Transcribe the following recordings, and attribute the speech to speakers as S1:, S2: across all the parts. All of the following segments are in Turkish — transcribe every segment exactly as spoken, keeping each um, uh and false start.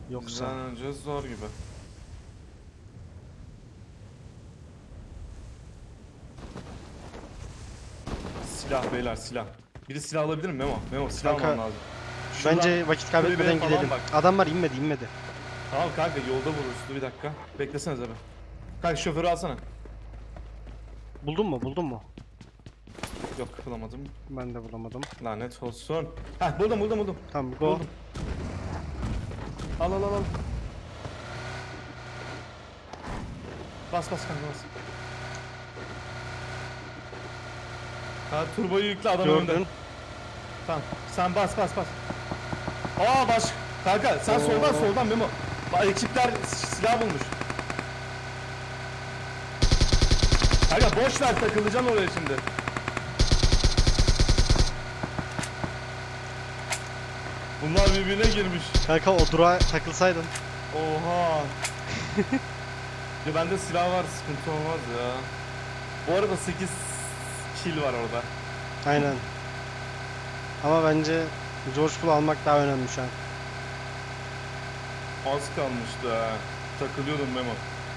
S1: Yoksa
S2: Bizden önce zor gibi. Silah beyler, silah. Biri silah alabilir mi Memo? Memo silah
S1: Kanka,
S2: almam lazım. Şuradan
S1: bence vakit kaybetmeden
S2: kulübeye falan
S1: gidelim.
S2: bak.
S1: Adamlar inmedi inmedi.
S2: Tamam kanka, yolda vururuz. Dur bir dakika. Beklesenize be. Kanka şoförü alsana.
S1: Buldun mu buldun mu?
S2: Yok, bulamadım.
S1: Ben de bulamadım.
S2: Lanet olsun. Heh, buldum buldum buldum.
S1: Tamam go.
S2: Buldum. Al al al al. Bas bas kanka bas. Ha, turboyu yükle, adam önünde.
S1: Gördün.
S2: Tamam. Sen bas bas bas. Aa baş. Kanka sen
S1: Oo.
S2: soldan soldan Memo. Bak ekipler silah bulmuş. Kanka boş ver, takılacaksın oraya şimdi. Bunlar birbirine girmiş.
S1: Kanka o durağa takılsaydın.
S2: Oha. Ya bende silah var, sıkıntı olmaz ya. Bu arada sekiz kill var orada.
S1: Aynen. Ama bence George Bull almak daha önemli şu an.
S2: Az kalmıştı ha. Takılıyordum Memo.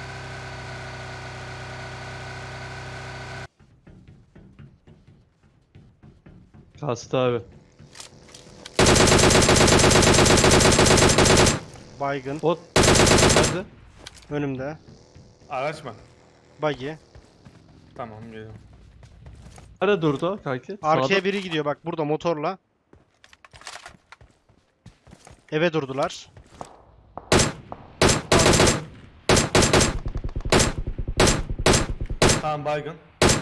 S3: Kastı abi.
S1: Baygın.
S3: Bot. Nerede?
S1: Önümde.
S2: Araç mı?
S1: Buggy.
S2: Tamam, geliyorum.
S3: Nerede durdu kanki?
S1: Arkaya
S3: Sağda.
S1: biri gidiyor bak burada motorla. Eve durdular.
S2: Tamam, baygın.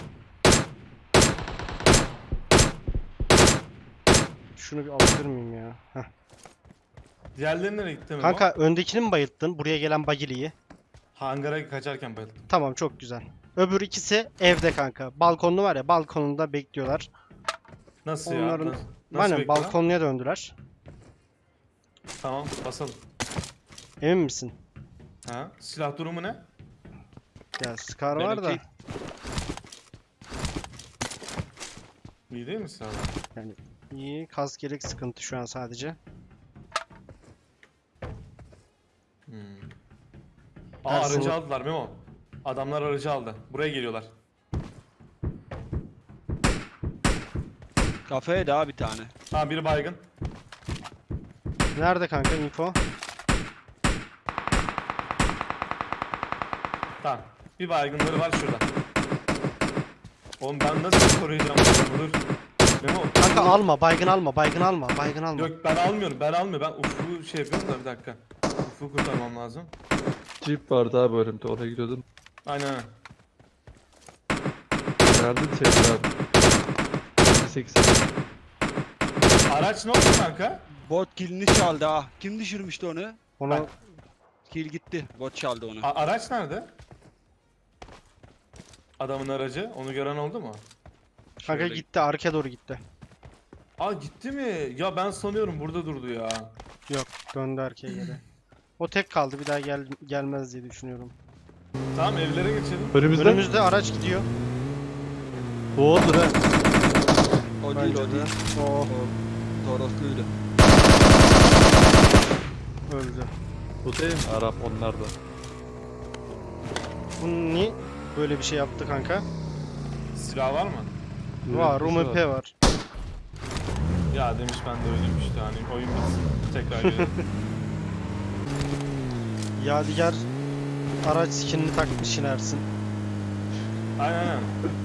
S1: Şunu bir alabilir miyim ya? Heh.
S2: Diğerleri nereye gitti Memo?
S1: Kanka öndekini mi bayılttın? Buraya gelen buggy'liyi.
S2: Hangara kaçarken bayıldım.
S1: Tamam çok güzel. Öbür ikisi evde kanka. Balkonlu var ya, balkonunda bekliyorlar.
S2: Nasıl
S1: Onların-
S2: ya? Nasıl, nasıl
S1: Aynen
S2: bekliyor lan?
S1: balkonluya döndüler.
S2: Tamam, basalım.
S1: Emin misin?
S2: Ha? Silah durumu ne?
S1: Ya Scar
S4: Ben
S1: var da.
S4: okey.
S2: İyi değil mi silah?
S1: Yani iyi. Kask gerek sıkıntı şu an sadece.
S2: Hmm. Aa,
S1: Dersin-
S2: aracı aldılar Memo. Adamlar aracı aldı. Buraya geliyorlar.
S4: Kafeye daha bir tane.
S2: Ha, biri baygın.
S1: Nerede kanka info?
S2: Tamam. Bir baygınları var şurada. Oğlum ben nasıl koruyacağım bunu? Dur. Memo.
S1: Kanka alma, baygın alma, baygın alma, baygın alma.
S2: Yok, ben almıyorum. Ben almıyorum. Ben Ufuk'u şey yapıyorum da bir dakika. Ufuk'u kurtarmam lazım.
S3: Jeep vardı abi önümde. Oraya gidiyordum.
S2: Aynen.
S3: Nerede şey abi? sekiz.
S2: Araç ne oldu kanka?
S4: Bot kilini çaldı ha. Kim düşürmüştü onu?
S1: Onu
S2: Ben-
S4: Kill gitti. Bot çaldı onu.
S2: A- araç nerede? Adamın aracı. Onu gören oldu mu?
S1: kanka
S4: Şöyle-
S1: gitti, arkaya doğru gitti.
S2: Aa, gitti mi? Ya ben sanıyorum burada durdu ya.
S1: Yok, döndü arkaya geri. O tek kaldı, bir daha gel gelmez diye düşünüyorum.
S2: Tamam, evlere geçelim.
S3: Önümüzde.
S1: Önümüzde araç gidiyor.
S3: Bu odur ha.
S4: O değil
S1: Bence
S4: o
S1: de.
S4: değil.
S1: O
S4: O Torosluydu.
S1: öldü.
S3: Bu değil mi? Arap onlar da.
S1: Bu niye böyle bir şey yaptı kanka?
S2: Silah var mı?
S1: Var,
S3: Yürüyüşü
S1: U M P var.
S2: Ya demiş, ben de öyleyim işte, hani oyun bitsin. Tekrar gelelim.
S1: Yadigar araç skinini takmış inersin.
S2: Aynen aynen.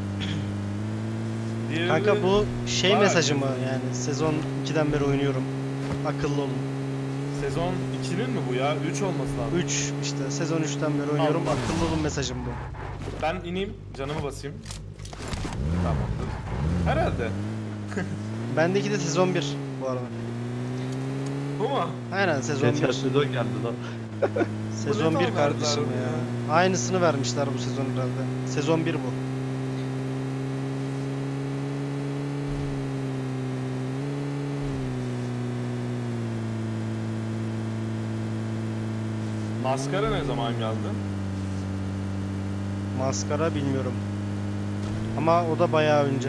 S2: Diğeri
S1: Kanka
S2: de-
S1: bu şey
S2: var
S1: mesajı
S2: ya.
S1: mı yani sezon ikiden beri oynuyorum. Akıllı olun.
S2: Sezon ikinin mi bu ya? üç olması lazım.
S1: üç işte sezon üçten beri oynuyorum.
S2: Allah.
S1: Akıllı olun mesajım bu.
S2: Ben ineyim, canımı basayım. Tamamdır. Herhalde.
S1: Bendeki de sezon bir bu arada.
S2: Bu mu?
S1: Aynen sezon
S3: Geçen
S1: bir.
S3: sezon geldi lan.
S1: Sezon
S2: Bu ne
S1: bir
S2: tam
S1: kardeşim
S2: verdiler
S1: ya. Aynısını vermişler bu sezon herhalde. Sezon bir bu.
S2: Maskara ne zaman geldi?
S1: Maskara bilmiyorum. Ama o da bayağı önce.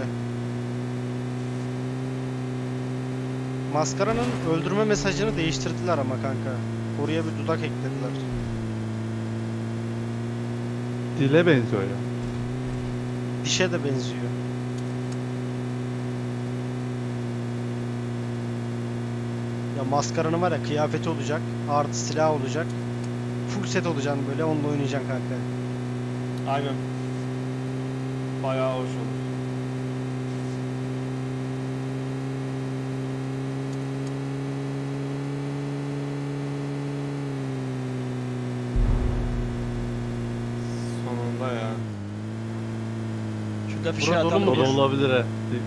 S1: Maskara'nın öldürme mesajını değiştirdiler ama kanka. Oraya bir dudak eklediler.
S3: Dile benziyor ya.
S1: Dişe de benziyor. Ya maskaranın var ya, kıyafeti olacak, artı silah olacak. Full set olacaksın böyle, onunla oynayacaksın kanka.
S2: Aynen. Bayağı hoş olur. Sonunda ya.
S4: Şurada fişe
S1: Burada dolu
S4: atalım.
S1: mu?
S3: Dolu
S1: Dur.
S3: olabilir he.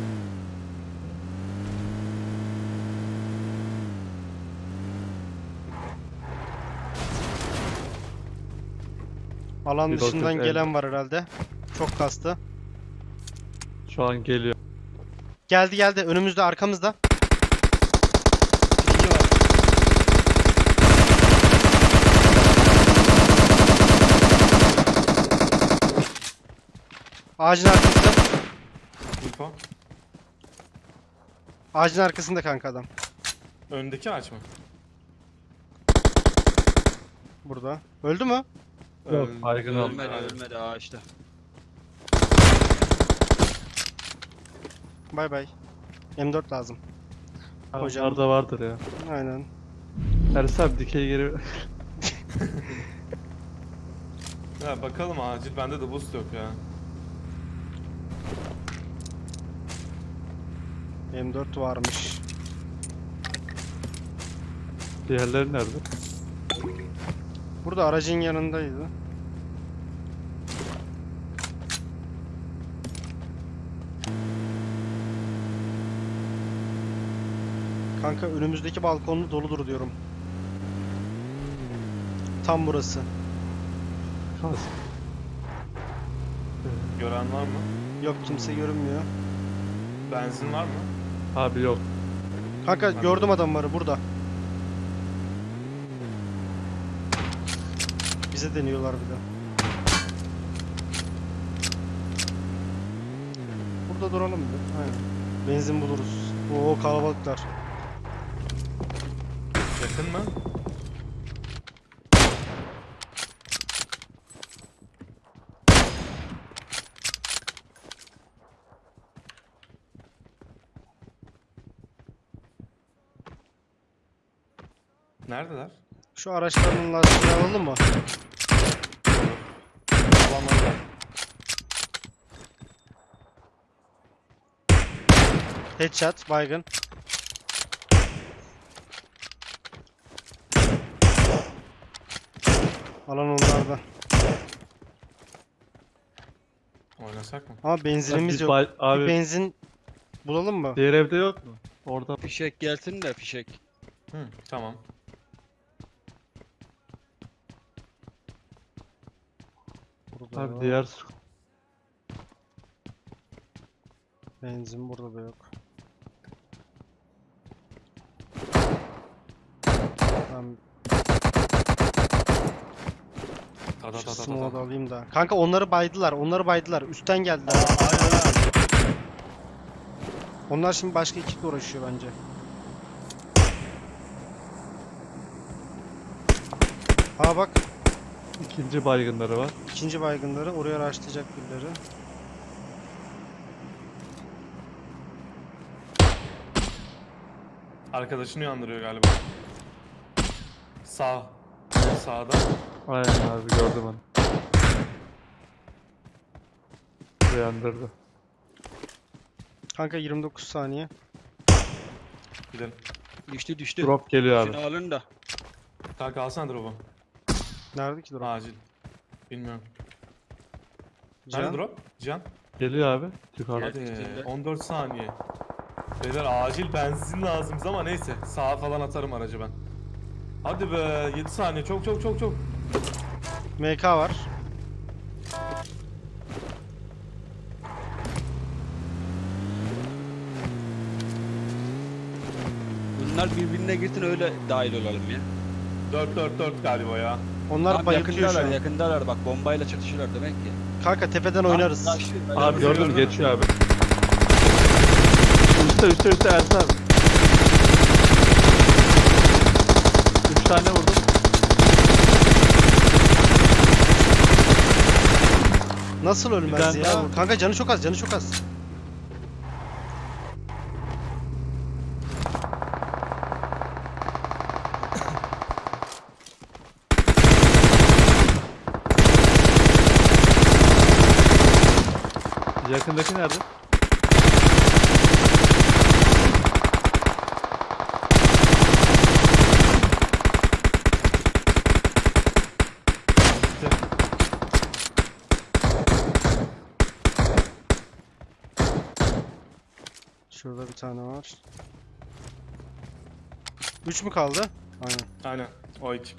S1: Alan
S3: Bir
S1: dışından
S3: bakın,
S1: gelen
S3: evet.
S1: var herhalde. Çok kastı.
S3: Şu an geliyor.
S1: Geldi geldi, önümüzde, arkamızda.
S4: İkinci var.
S1: Ağacın arkasında.
S2: Info.
S1: Ağacın arkasında kanka adam.
S2: Öndeki ağaç mı?
S1: Burada. Öldü mü?
S3: Yok,
S2: Öldü.
S3: baygın oldu.
S4: Ölmedi
S2: Aynen.
S4: ölmedi ağaçta.
S1: Bay bay. M dört lazım. Hocam.
S3: Hocam. da vardır ya.
S1: Aynen.
S3: Ersin abi dikey geri...
S2: Ya bakalım acil, bende de boost yok ya.
S1: M dört varmış.
S3: Diğerleri nerede?
S1: Burada aracın yanındaydı. Kanka önümüzdeki balkonlu doludur diyorum. Tam burası.
S3: Kas.
S2: Gören var mı?
S1: Yok, kimse görünmüyor.
S2: Benzin var mı?
S3: Abi yok.
S1: Kanka gördüm adamları burada. Bize deniyorlar bir de. Burada duralım bir. Aynen. Benzin buluruz. Oo, kalabalıklar.
S2: Yakın mı? Neredeler?
S1: Şu araçların lastiğini alalım mı?
S2: Alanlarda.
S1: Headshot, baygın. Alan onlarda.
S2: Oynasak mı?
S1: Ama benzinimiz
S3: Biz
S1: yok.
S3: bay-
S1: Bir
S3: Abi
S1: benzin bulalım mı?
S3: diğer evde yok mu? Orada
S4: Fişek gelsin de fişek.
S2: Hı, tamam.
S1: Burada
S3: abi
S1: yok.
S3: diğer su-
S1: Benzin burada da yok. Ben
S2: Ta ta
S1: şu
S2: ta ta
S1: smoke'u da
S2: ta.
S1: alayım da. Kanka onları baydılar, onları baydılar. Üstten geldiler.
S2: Aynen aynen.
S1: Onlar şimdi başka ekiple uğraşıyor bence. Ha bak,
S3: ikinci baygınları var.
S1: ikinci baygınları oraya araştıracak birileri.
S2: Arkadaşını uyandırıyor galiba. Sağ. Sağda.
S3: Aynen abi gördüm onu. Uyandırdı.
S1: Kanka yirmi dokuz saniye.
S2: Gidelim.
S4: Düştü düştü.
S3: Drop geliyor abi.
S4: Şunu alın da.
S2: Kanka alsana drop'u.
S1: Nerede ki drop?
S2: Acil. Bilmiyorum.
S1: Can?
S2: Nerede drop? Can.
S3: Geliyor abi. Yukarıda.
S2: Hadi.
S4: Gittiğinde.
S2: on dört saniye. Beyler acil benzin lazım ama neyse. Sağa falan atarım aracı ben. Hadi be. yedi saniye. Çok çok çok çok.
S1: M K var.
S4: Bunlar birbirine girsin öyle dahil olalım ya.
S2: dört dört dört galiba ya.
S1: Onlar
S4: Tam
S1: bayıltıyor şu
S4: yakındalar
S1: an.
S4: yakındalar bak bombayla çatışıyorlar demek ki.
S1: Kanka tepeden oynarız.
S4: Taş- taş-
S3: Abi
S2: Gördün
S3: gördüm
S2: mü?
S3: geçiyor abi. Üstte üstte üstte Ersin abi. Üç tane vurdum.
S1: Nasıl ölmez
S3: tane daha
S1: ya?
S3: vurdum.
S1: Kanka canı çok az, canı çok az.
S3: Yakındaki nerede?
S1: Şurada bir tane var. üç mü kaldı? Aynen.
S2: Aynen. O ekip.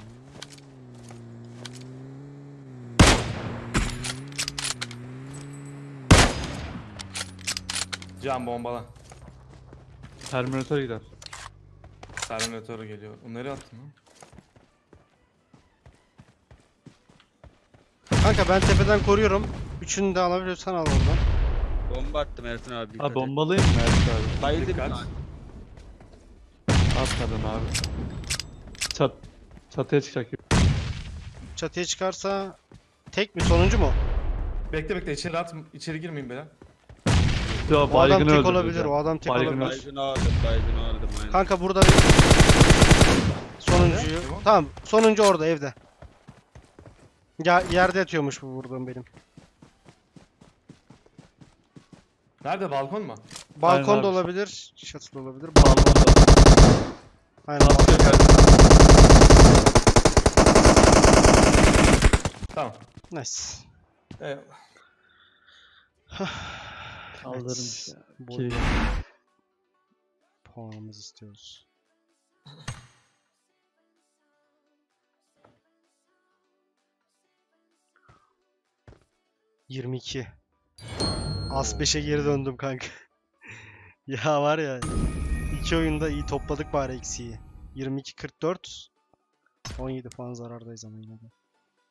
S2: Can bombala.
S3: Terminator gider.
S2: Terminator geliyor. O nereye attın lan?
S1: Kanka ben tepeden koruyorum. Üçünü de alabiliyorsan al oradan.
S4: Bomba attım Ertan abi. dikkat
S3: Ha
S4: et.
S3: bombalayayım mı Ertuğ abi?
S4: Bayıldı bir
S2: Dikkat.
S4: tane.
S3: Atmadım abi. Çat, çatıya çıkacak gibi.
S1: Çatıya çıkarsa tek mi sonuncu mu?
S2: Bekle bekle içeri at. İçeri girmeyin beyler.
S3: Ya
S1: O adam
S3: baygını
S1: tek
S3: öldürdü
S1: olabilir.
S3: ya.
S1: O adam tek
S3: Baygını
S1: olabilir.
S3: öldürdü.
S4: Baygını aldım, baygını aldım. Aynen.
S1: Kanka burada bir sonuncuyu.
S2: Nerede?
S1: Tamam, sonuncu orada evde. Ya yerde yatıyormuş bu vurduğum benim.
S2: Nerede? Balkon mu?
S1: Balkonda
S3: abi.
S1: olabilir, çatıda olabilir.
S3: Balkonda.
S1: Aynen.
S3: Maske geldi.
S2: Tamam.
S1: Nice.
S2: Eyvallah.
S3: Kaldırmış ya.
S1: Bu
S3: Ki-
S1: puanımızı istiyoruz. yirmi iki. As beşe geri döndüm kanka. Ya var ya. iki oyunda iyi topladık bari eksiği. yirmi iki kırk dört. on yedi puan zarardayız ama yine de.